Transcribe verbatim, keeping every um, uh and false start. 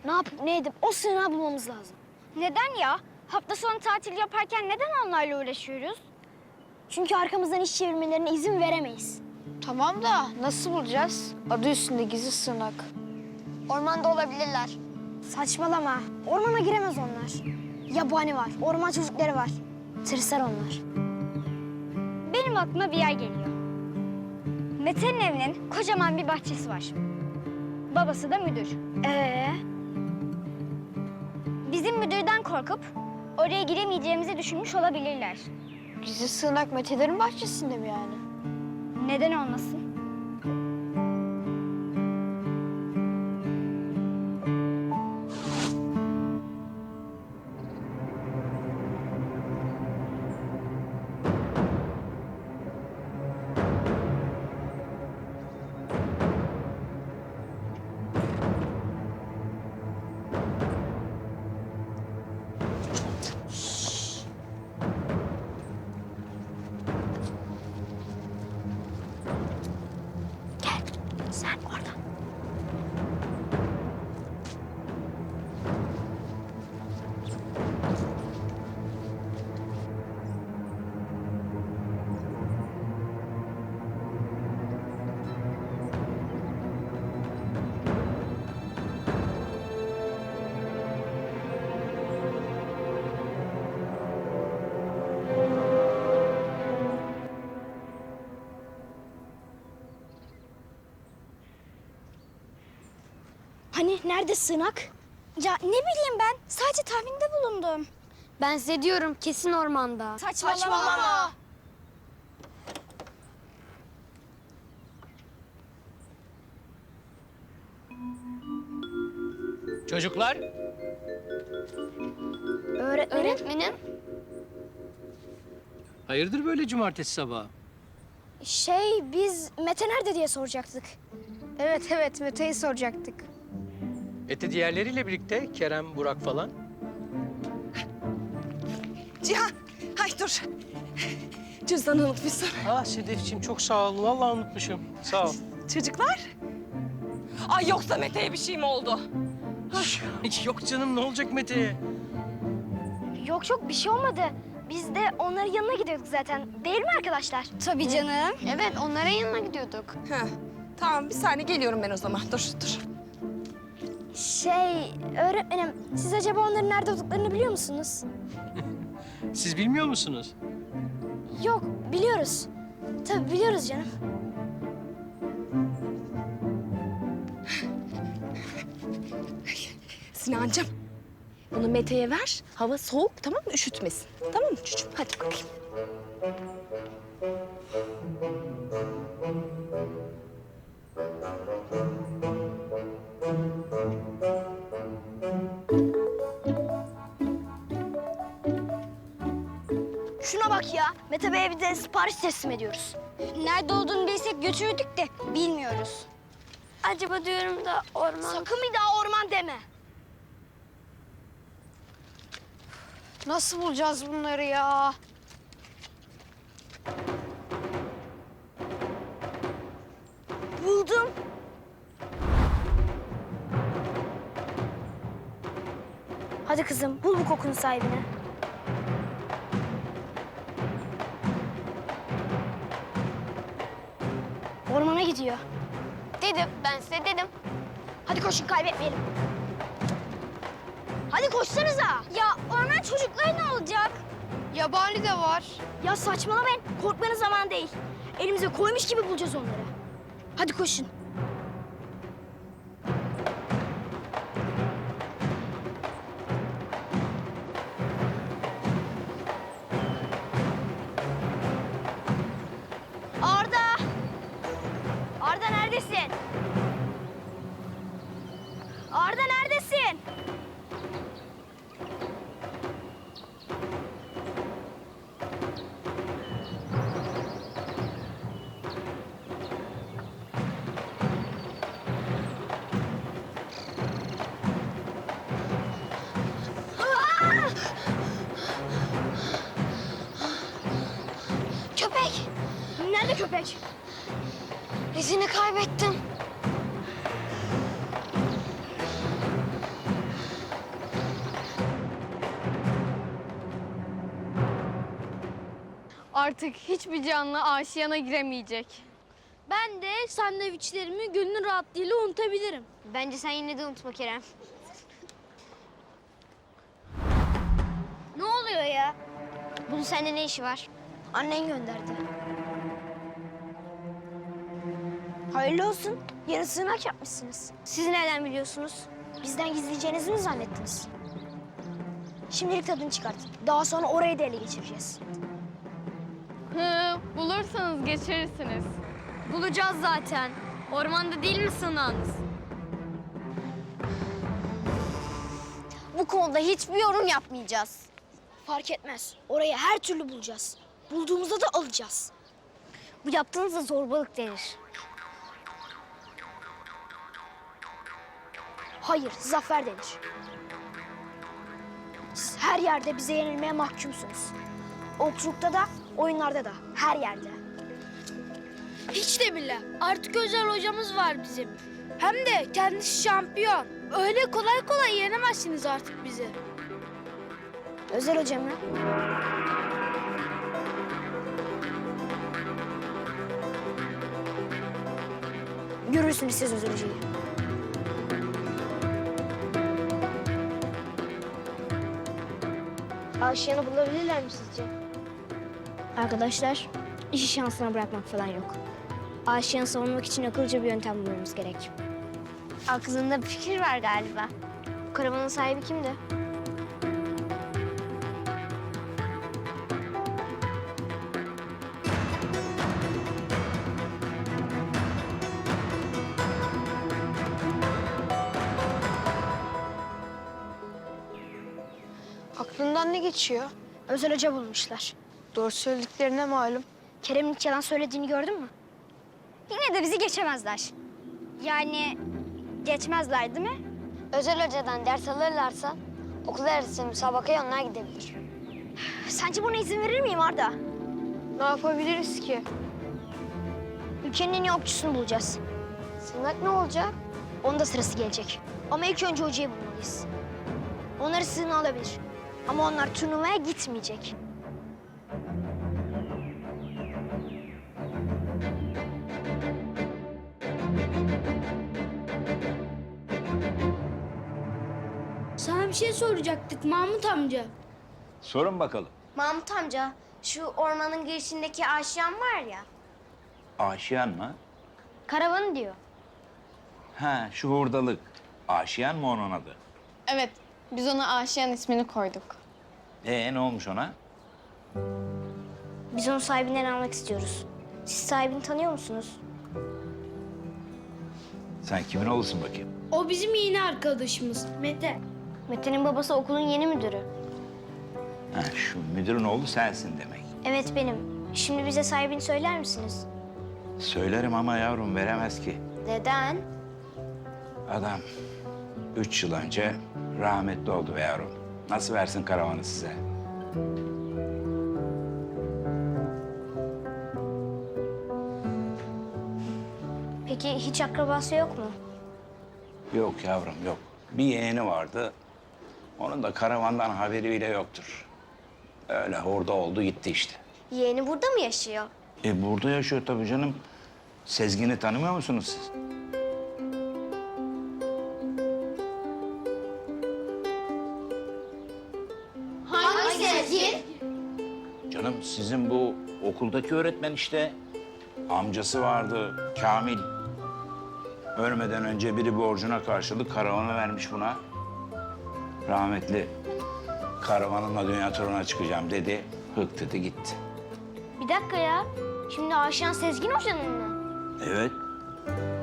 Ne yapıp ne edip o sığınağı bulmamız lazım. Neden ya? Hafta sonu tatil yaparken neden onlarla uğraşıyoruz? Çünkü arkamızdan iş çevirmelerine izin veremeyiz. Tamam da nasıl bulacağız? Adı üstünde gizli sığınak. Ormanda olabilirler. Saçmalama. Ormana giremez onlar. Yabani var, orman çocukları var. Tırsar onlar. Benim aklıma bir yer geliyor. Mete'nin evinin kocaman bir bahçesi var. Babası da müdür. Ee, Bizim müdürden korkup oraya giremeyeceğimizi düşünmüş olabilirler. Gizli sığınak Mete'lerin bahçesinde mi yani? Neden olmasın? sen oradan. Hani nerede sığınak? Ya ne bileyim ben. Sadece tahminde bulundum. Ben size diyorum kesin ormanda. Saçmalama. Çocuklar, Öğretmenim. Öğretmenim. hayırdır böyle cumartesi sabahı? Şey biz Mete nerede diye soracaktık. Evet evet Mete'yi soracaktık. Ete diğerleriyle birlikte Kerem, Burak falan. Cihan, hay dur. Cüzdanı unutmuşsun. Ah Sedefciğim çok sağ ol. Vallahi unutmuşum. Sağ ol. Çocuklar. Ay yoksa Mete'ye bir şey mi oldu? Yok canım ne olacak Mete'ye? Yok yok bir şey olmadı. Biz de onların yanına gidiyorduk zaten. Değil mi arkadaşlar? Tabii canım. Evet onların yanına gidiyorduk. Heh, tamam bir saniye geliyorum ben o zaman. Dur dur. Şey öğretmenim siz acaba onların nerede olduklarını biliyor musunuz? Siz bilmiyor musunuz? Yok biliyoruz. Tabii biliyoruz canım. Sinancığım, bunu Mete'ye ver. Hava soğuk, tamam mı? Üşütmesin. Tamam mı çocuğum? Hadi bakayım. Şuna bak ya. Mete Bey'e bir de sipariş teslim ediyoruz. Nerede olduğunu bilsek götürürdük de bilmiyoruz. Acaba diyorum da orman... Sakın bir daha orman deme. Nasıl bulacağız bunları ya? Buldum. Hadi kızım bul bu kokunun sahibini. Ormana gidiyor. Dedim ben size dedim. Hadi koşun kaybetmeyelim. Hadi koşsanıza. Ya orman çocukları ne olacak? Yabani de var. Ya saçmalamayın. Korkmanın zamanı değil. Elimize koymuş gibi bulacağız onları. Hadi koşun. Arda! Arda neredesin? Arda neredesin? Köpek. Nerede köpek? İzini kaybettim. Artık hiçbir canlı aşiyana giremeyecek. Ben de sandviçlerimi gönül rahatlığıyla unutabilirim. Bence sen yine de unutma Kerem. Ne oluyor ya? Bunun seninle ne işi var? Annen gönderdi. Hayırlı olsun. Yarın sığınak yapmışsınız. Siz nereden biliyorsunuz? Bizden gizleyeceğinizi mi zannettiniz? Şimdilik tadını çıkartın. Daha sonra orayı da ele geçireceğiz. Hı, bulursanız geçirirsiniz. Bulacağız zaten. Ormanda değil mi sığınağınız? Bu konuda hiçbir yorum yapmayacağız. Fark etmez. Orayı her türlü bulacağız. Bulduğumuzda da alacağız. Bu yaptığınızda zorbalık denir. Hayır, zafer denir. Siz her yerde bize yenilmeye mahkumsunuz. Okçulukta da, oyunlarda da, her yerde. Hiç de bile. Artık özel hocamız var bizim. Hem de kendisi şampiyon. Öyle kolay kolay yenemezsiniz artık bizi. Özel hocam mı? Görürsünüz siz özel hocayı. Aşiyanı bulabilirler mi sizce? Arkadaşlar, işi şansına bırakmak falan yok. Aşığını savunmak için akıllıca bir yöntem bulmamız gerek. Aklında bir fikir var galiba. Karavanın sahibi kimdi? Aklından ne geçiyor? Özel hoca bulmuşlar. Doğru söylediklerine malum. Kerem'in hiç yalan söylediğini gördün mü? Yine de bizi geçemezler. Yani geçmezler değil mi? Özel hocadan ders alırlarsa okul arası müsabakaya onlar gidebilir. Sence buna izin verir miyim Arda? Ne yapabiliriz ki? Ülkenin en iyi okçusunu bulacağız. Sığınak ne olacak? Onun da sırası gelecek. Ama ilk önce hocayı bulmalıyız. Onları sığınağa alabilir. Ama onlar turnuvaya gitmeyecek. Sana bir şey soracaktık Mahmut amca. Sorun bakalım. Mahmut amca, şu ormanın girişindeki aşiyan var ya. Aşiyan mı? Karavanı diyor. Ha, şu hurdalık. Aşiyan mı onun adı? Evet, biz ona Aşiyan ismini koyduk. Ee, ne olmuş ona? Biz onun sahibinden almak istiyoruz. Siz sahibini tanıyor musunuz? Sen kimin oğlusun bakayım? O bizim yeni arkadaşımız Mete. Mete'nin babası okulun yeni müdürü. Ha, şu müdürün oğlu sensin demek. Evet benim. Şimdi bize sahibini söyler misiniz? Söylerim ama yavrum veremez ki. Neden? Adam üç yıl önce rahmetli oldu be yavrum. Nasıl versin karavanı size? Peki hiç akrabası yok mu? Yok yavrum yok. Bir yeğeni vardı. Onun da karavandan haberi bile yoktur. Öyle orada oldu gitti işte. Yeğeni burada mı yaşıyor? E burada yaşıyor tabii canım. Sezgin'i tanımıyor musunuz siz? Hangi Sezgin? Canım sizin bu okuldaki öğretmen işte. Amcası vardı Kamil. Ölmeden önce biri borcuna karşılık karavanı vermiş buna. Rahmetli karavanımla dünya turuna çıkacağım dedi. Hık dedi gitti. Bir dakika ya. Şimdi Aşiyan Sezgin Hoca'nın mı? Evet.